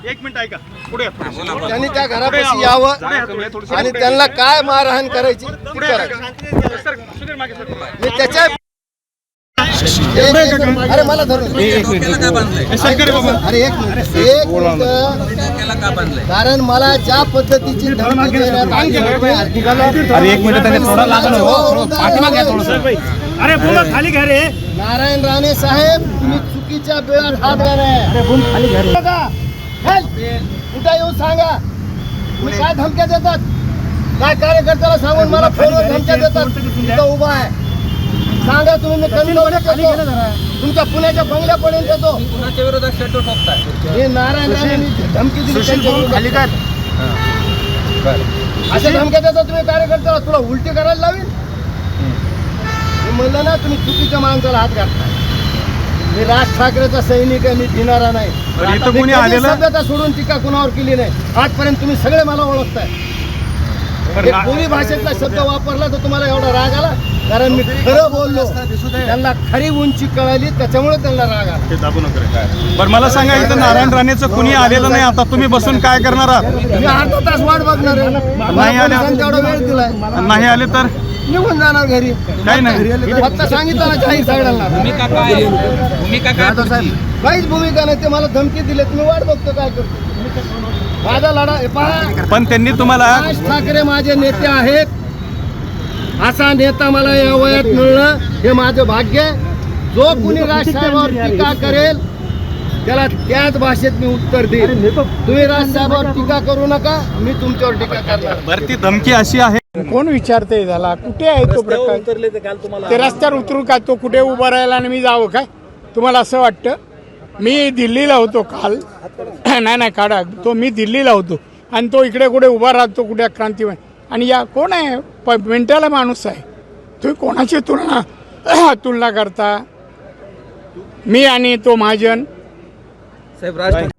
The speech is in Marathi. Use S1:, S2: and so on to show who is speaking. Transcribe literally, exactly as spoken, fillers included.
S1: एक मिनिट ऐका, पुढे
S2: त्यांनी त्या घरापाशी यावं आणि त्यांना काय मारहाण करायची मी त्याच्या अरे मला धरून अरे एक मिनिट एक मिनिट कारण मला ज्या पद्धतीची धमकी देण्यात आली
S3: अरे एक मिनिट त्याने थोडा लागलं पाठीमागे घ्या थोडंसं.
S1: अरे बोला खाली घ्या रे.
S2: नारायण राणे साहेब तुम्ही चुकीच्या वेळात हात घाला कुठे येऊन सांगा तुम्ही काय धमक्या देतात काय कार्यकर्त्याला सांगून मला फोनवर धमक्या देतात तिथं उभा आहे सांगा तुम्ही मी कमी तुमच्या पुण्याच्या बंगल्यापर्यंत येतो
S4: कुणाच्या विरोधात शर्ट ठोकताय
S2: हे नारायण राणे धमकी दिली
S1: खाली काय
S2: अशा धमक्या देता तुम्ही कार्यकर्त्याला तुला उलटी करायला लावेल मी म्हणलं ना तुम्ही चुकीच्या माणसाला हात घालताय मी राज ठाकरेचा सैनिक आहे मी भिणारा नाही
S1: इथं कोणी आलेलं
S2: सभ्यता सोडून टीका कुणावर केली नाही आजपर्यंत तुम्ही सगळे मला ओळखताय कोणी भाषेतला शब्द वापरला तर तुम्हाला एवढा राग आला कारण मी खरं बोललो त्यांना खरी उंची कळाली त्याच्यामुळे त्यांना राग आला
S1: ते दाबू नका. बरं मला सांगा इथं नारायण राणेचं कुणी आलेलं नाही आता तुम्ही बसून काय करणार आहात?
S2: मी अर्धा तास वाट बघणार आहे
S1: नाही आले
S2: तेवढा वेळ दिलाय
S1: नाही आले तर
S2: निघून जाणार घरी
S1: काही नाही
S2: फक्त सांगितलं ना जाहीर साईडाला
S4: भूमिका काय भूमिका काय तुमची?
S2: काहीच भूमिका नाही ते मला धमकी दिले तुम्ही वाट बघतो काय करतो माझा लढा हे पहा
S1: पण त्यांनी तुम्हाला
S2: राज ठाकरे माझे नेते आहेत असा नेता मला या वयात मिळणं हे माझं भाग्य आहे जो कुणी राजसाहेबांवर टीका करेल त्याला त्याच भाषेत मी उत्तर देईल तुम्ही राजसाहेबांवर टीका करू नका मी तुमच्यावर टीका करणार
S1: बरं ती धमकी अशी आहे
S5: कोण विचारते झाला कुठे आहे तो प्रकार ते रस्त्यावर उतरू का तो कुठे उभा राहिला आणि मी जावं काय तुम्हाला असं वाटतं मी दिल्लीला होतो काल नाही नाही काढा तो मी दिल्लीला होतो आणि तो इकडे कुठे उभा राहतो कुठे क्रांतीवन आणि या कोण आहे प मिनटाला माणूस आहे तुम्ही कोणाची तुलना तुलना करता मी आणि तो महाजन
S4: साहेब राज